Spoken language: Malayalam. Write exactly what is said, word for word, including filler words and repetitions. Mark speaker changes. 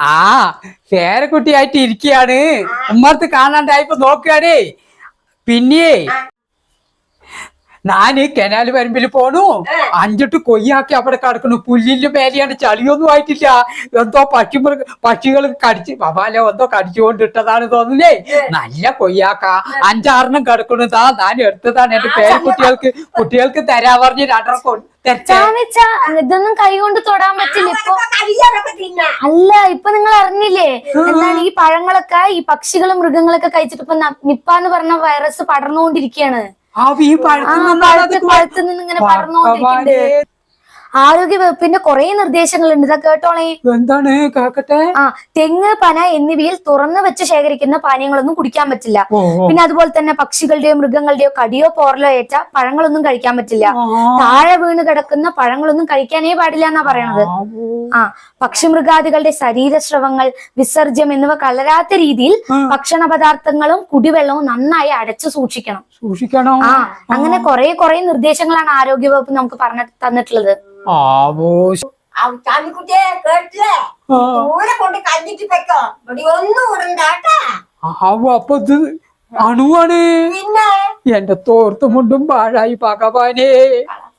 Speaker 1: ആ പേരക്കുട്ടിയായിട്ട് ഇരിക്കുകയാണ്. ഉമ്മർത്ത് കാണാണ്ടായപ്പോ നോക്കുകയാണേ. പിന്നെ ഞാന് കനാല് വരമ്പിൽ പോണു. അഞ്ചെട്ട് കൊയ്യാക്കി അവിടെ കിടക്കണു. പുല്ലിന്റെ മേലെയാണ്, ചളിയൊന്നും ആയിട്ടില്ല. എന്തോ പക്ഷി പക്ഷികൾ കടിച്ച് പപാലോ എന്തോ കടിച്ചുകൊണ്ടിട്ടതാണ് തോന്നുന്നേ. നല്ല കൊയ്യാക്ക അഞ്ചാറെണ്ണം കിടക്കണതാ. ഞാൻ എടുത്തതാണ് എന്റെ പേരക്കുട്ടികൾക്ക് കുട്ടികൾക്ക് തരാ പറഞ്ഞ് രണ്ടെണ്ണം
Speaker 2: ഇതൊന്നും കൈ കൊണ്ട് തൊടാൻ പറ്റില്ല ഇപ്പൊ. അല്ല, ഇപ്പൊ നിങ്ങൾ അറിഞ്ഞില്ലേ എന്താണ് ഈ പഴങ്ങളൊക്കെ ഈ പക്ഷികളും മൃഗങ്ങളൊക്കെ കഴിച്ചിട്ട് ഇപ്പൊ നിപ്പ എന്ന് പറഞ്ഞ വൈറസ് പടർന്നുകൊണ്ടിരിക്കുകയാണ്. പഴത്തു നിന്ന് ഇങ്ങനെ പടർന്നുകൊണ്ടിരിക്കുന്നുണ്ട്. ആരോഗ്യ വകുപ്പിന്റെ കുറെ നിർദ്ദേശങ്ങളുണ്ട്, ഇതാ കേട്ടോളേ.
Speaker 1: എന്താണ് കേക്കട്ടെ?
Speaker 2: ആ തെങ്ങ്, പന എന്നിവയിൽ തുറന്നു വെച്ച് ശേഖരിക്കുന്ന പാനീയങ്ങളൊന്നും കുടിക്കാൻ പറ്റില്ല. പിന്നെ അതുപോലെ തന്നെ പക്ഷികളുടെയോ മൃഗങ്ങളുടെയോ കടിയോ പോറലോ ഏറ്റ പഴങ്ങളൊന്നും കഴിക്കാൻ പറ്റില്ല. താഴെ വീണ് കിടക്കുന്ന പഴങ്ങളൊന്നും കഴിക്കാനേ പാടില്ല എന്നാ പറയണത്. ആ പക്ഷിമൃഗാദികളുടെ ശരീരസ്രവങ്ങൾ, വിസർജ്യം എന്നിവ കലരാത്ത രീതിയിൽ ഭക്ഷണ പദാർത്ഥങ്ങളും കുടിവെള്ളവും നന്നായി അടച്ചു സൂക്ഷിക്കണം.
Speaker 1: സൂക്ഷിക്കണം.
Speaker 2: ആ അങ്ങനെ കുറെ കുറെ നിർദ്ദേശങ്ങളാണ് ആരോഗ്യ വകുപ്പ് നമുക്ക് പറഞ്ഞു തന്നിട്ടുള്ളത്.
Speaker 3: ചാമിക്കുട്ടിയെ കേട്ടില്ലേ? ദൂരെ കൊണ്ട് കല്ലിട്ട് വെക്കോ, ഇവിടെ ഒന്നും ഉടണ്ടാട്ടാ.
Speaker 1: അപ്പൊ ഇത് അണുവാണ്.
Speaker 3: പിന്നെ
Speaker 1: എന്റെ തോർത്തുമുണ്ടും പാഴായി ഭഗവാനേ.